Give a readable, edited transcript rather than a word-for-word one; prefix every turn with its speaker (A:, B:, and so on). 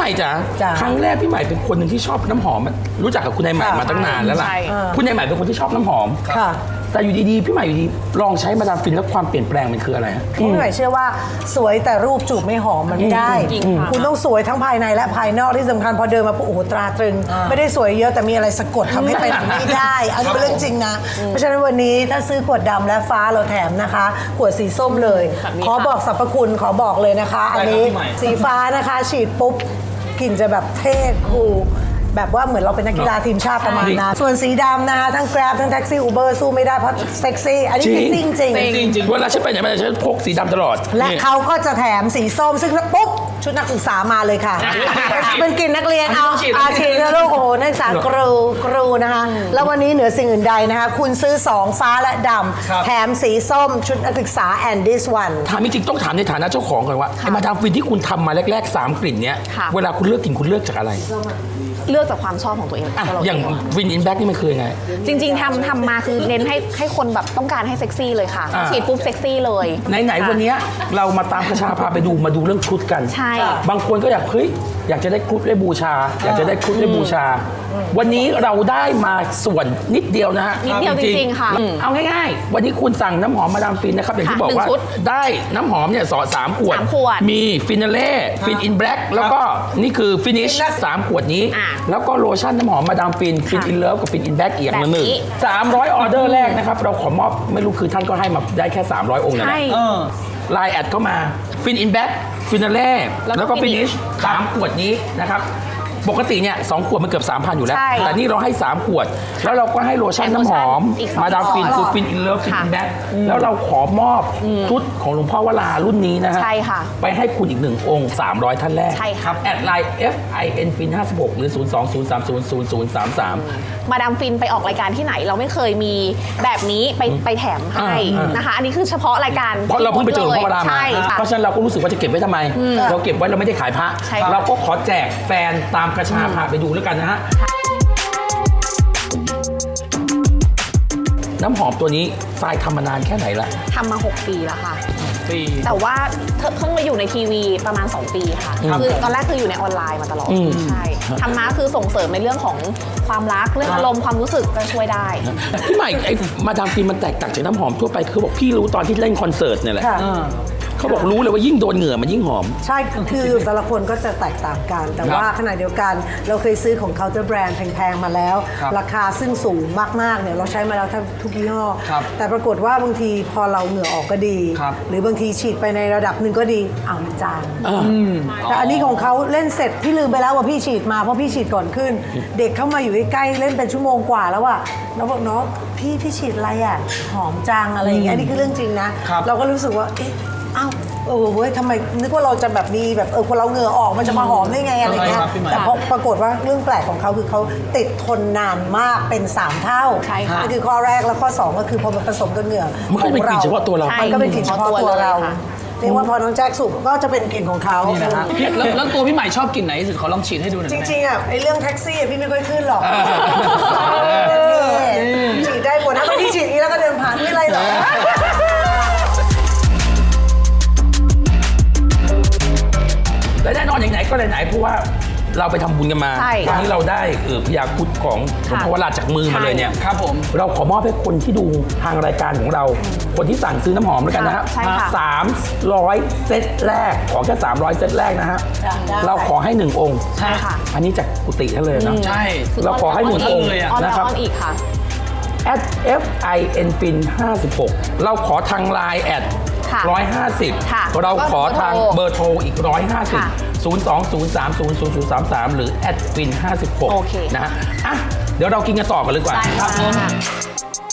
A: ม่จ๋าครั้งแรกพี่ใหม่เป็นคนหนึ่งที่ชอบน้ำหอมรู้จักกับคุณนายใหม่มาตั้งนานแล้วล่ะคุณนายใหม่เป็นคนที่ชอบน้ำหอมแต่อยู่ดีๆพี่ใหม่อยู่ดีลองใช้มาดามฟินแล้วความเปลี่ยนแปลงมันคืออะไร
B: พี่ใหม่เชื่อว่าสวยแต่รูปจูบไม่หอมมันไม่ได้คุณต้องสวยทั้งภายในและภายนอกที่สำคัญพอเดินมาปุ๊บโอ้โหตราตรึงไม่ได้สวยเยอะแต่มีอะไรสะกดทำให้เป็นไม่ได้อันนี้เป็นเรื่องจริงนะเพราะฉะนั้นวันนี้ถ้าซื้อขวดดำและฟ้าเราแถมนะคะขวดสีส้มเลยขอบอกสรรพคุณขอบอกเลยนะคะอันนี้สีฟ้านะคะฉีดปุ๊บกลิ่นจะแบบเท่คูลแบบว่าเหมือนเราเป็นนักกีฬาทีมชาติประมาณนั้นส่วนสีดำนะคะทั้ง Grab ทั้งแท็กซี่ Uber สู้ไม่ได้เพราะเซ็กซี่อันนี้จริงจริง
A: เวลาฉันไปไหนมาฉันพกสีดำตลอด
B: และเขาก็จะแถมสีส้มซึ่งปุ๊บชุดนักศึกษามาเลยค่ะเป็นกลิ่นนักเรียนเอาอาชีพโลกโอ้โหนักศึกษากรูนะคะแล้ววันนี้เหนือสิ่งอื่นใดนะคะคุณซื้อ2ฟ้าและดำแถมสีส้มชุดนักศึกษา and this one
A: ถามจริงต้องถามในฐานะเจ้าของก่อนว่าไอ้มาดามฟินที่คุณทำมาแรกๆ3กลิ่นเนี้ยเวลาคุณเลือกกลิ่นคุณเลือกจากอะไร
C: เลือกจากความชอบของตัวเอง
A: อย่างวินอินแบ็กนี่มันคือไง
C: จริงๆทำมาคือเน้นให้คนแบบต้องการให้เซ็กซี่เลยค่ะฉีดปุ๊บเซ็กซี่เลย
A: ไหนวันนี้เรามาตามกระชาพาไปดูมาดูเรื่องชุดกัน
C: ใช่
A: บางคนก็อยากจะได้ครุฑได้บูชาอยากจะได้ครุฑได้บูชาวันนี้เราได้มาส่วนนิดเดียวนะฮะ
C: นิดเดียวจริงๆค่ะ
A: เอาง่ายๆวันนี้คุณสั่งน้ำหอมมาดามฟินนะครับอย่างที่บอกว่าได้น้ำหอมเนี่ย3 ขวดมีฟินาเล่ฟินอินแบล็กแล้วก็นี่คือฟินิช3 ขวดนี้แล้วก็โลชั่นน้ำหอมมาดามฟินฟินอินเลิฟกับฟินอินแบล็กอีกอย่างนึง300 ออเดอร์แรกนะครับเราขอมอบไม่รู้คือท่านก็ให้มาได้แค่300 องค์นะไลน์แอดเข้ามาฟินอินแบ็กฟินาเล่แล้วก็ฟินิช3 ขวดนี้นะครับปกติเนี่ย2 ขวดมันเกือบ 3,000 อยู่แล้วแต่นี่เราให้3 ขวดแล้วเราก็ให้โลชั่นน้ำหอมมาดามฟินคือฟินอินเลิฟฟินอินแบ็กแล้วเราขอมอบชุดของหลวงพ่อวรารุ่นนี้นะฮะไปให้คุณอีก1 องค์300 ท่านแรกครับแอดไลน์ FIN FIN 56หรือ020300033
C: มาดามฟินไปออกรายการที่ไหนเราไม่เคยมีแบบนี้ไปแถมให้นะคะอันนี้คือเฉพาะรายการ
A: เพราะเราเพิ่งไปเจอหลวงพ่อวรามาเพราะฉะนั้นเราก็รู้สึกว่าจะเก็บไว้ทำไมเราเก็บไว้เราไม่ได้ขายพระเราก็ขอแจกแฟนตามกระชาพาไปดูแล้วกันนะฮะน้ำหอมตัวนี้ทรายทำมานานแค่ไหนละ
C: ทำมา6 ปีแล้วค่ะแต่ว่าเพิ่งมาอยู่ในทีวีประมาณ2 ปีค่ะคือตอนแรกคืออยู่ในออนไลน์มาตลอดใช่ทำมาคือส่งเสริมในเรื่องของความรักเรื่องอารมณ์ความรู้สึกก็ช่วยได้
A: พี่ใหม่ไอ้มาดามฟินมันแตกต่างจากน้ำหอมทั่วไปคือบอกพี่รู้ตอนที่เล่นคอนเสิร์ตเนี่ยแหละเขาบอกรู้เลยว่ายิ่งโดนเหงื่อมันยิ่งหอม
B: ใช่คือแต่ละคนก็จะแตกต่างกันแต่ว่าขณะเดียวกันเราเคยซื้อของเคาน์เตอร์แบรนด์แพงๆมาแล้วราคาซึ่งสูงมากๆเนี่ยเราใช้มาแล้วทุกยี่ห้อแต่ปรากฏว่าบางทีพอเราเหงื่อออกก็ดีหรือบางทีฉีดไปในระดับหนึ่งก็ดีมันจางแต่อันนี้ของเขาเล่นเสร็จพี่ลืมไปแล้วว่าพี่ฉีดมาเพราะพี่ฉีดก่อนขึ้นเด็กเข้ามาอยู่ใกล้ๆเล่นเป็นชั่วโมงกว่าแล้วอะแล้วบอกเนาะพี่ฉีดอะไรอะหอมจังอะไรอย่างเงี้ยนี่คือเรื่องจริงนะเราก็รู้สึกว่าอ้าวเว้ยทำไมนึกว่าเราจะแบบมีแบบคนเราเหงื่อออกมันจะมาหอมได้ไงอะไรเงี้ยแต่ปรากฏว่าเรื่องแปลกของเขาคือเขาติดทนนานมากเป็น3 เท่านั่นคือข้อแรกแล้วข้อ2ก็คือพอมันผสมกับเหงื่อ
A: มันก็เป็นกลิ่นเฉพาะตัวเรา
B: มันก็เป็นกลิ่นเฉพาะตัวเราเรียกว่าพอน้องแจ็คสูบก็จะเป็นกลิ่นของเขา
D: แล้วตัวพี่ใหม่ชอบกลิ่นไหนที่สุดขอลองฉีดให้ดูหน่อย
B: จริงๆไอ้เรื่องแท็กซี่พี่ไม่ค่อยขึ้นหรอกฉีดได้หมดนะบางทีฉีดนี้แล้วก็เดินผ่านไม่ไรหรอก
A: และแน่นอนอย่างไหนก็ไหนเพราะว่าเราไปทำบุญกันมาวันนี้เราได้พยาครุฑของหลวงพ่อวราจากมือมาเลยเนี่ย
D: ครับผม
A: เราขอมอบให้คนที่ดูทางรายการของเราคนที่สั่งซื้อน้ำหอมแล้วกันนะฮะ300 เซตแรกขอแค่300 เซตแรกนะฮะเราขอให้1 องค์
C: ใช่ค่ะ
A: อันนี้จากกุฏิท่านเลยนะ
D: ใช่
A: เราขอให้1 องค์
C: นะครับอีกค่ะ
A: @FIN FIN 56เราขอทางไลน์แอด150เราขอทางเบอร์โทรอีก150 020300033หรือ@FIN 56นะฮะเดี๋ยวเรากินกันต่อกันเลยดีกว่า
C: ครับผม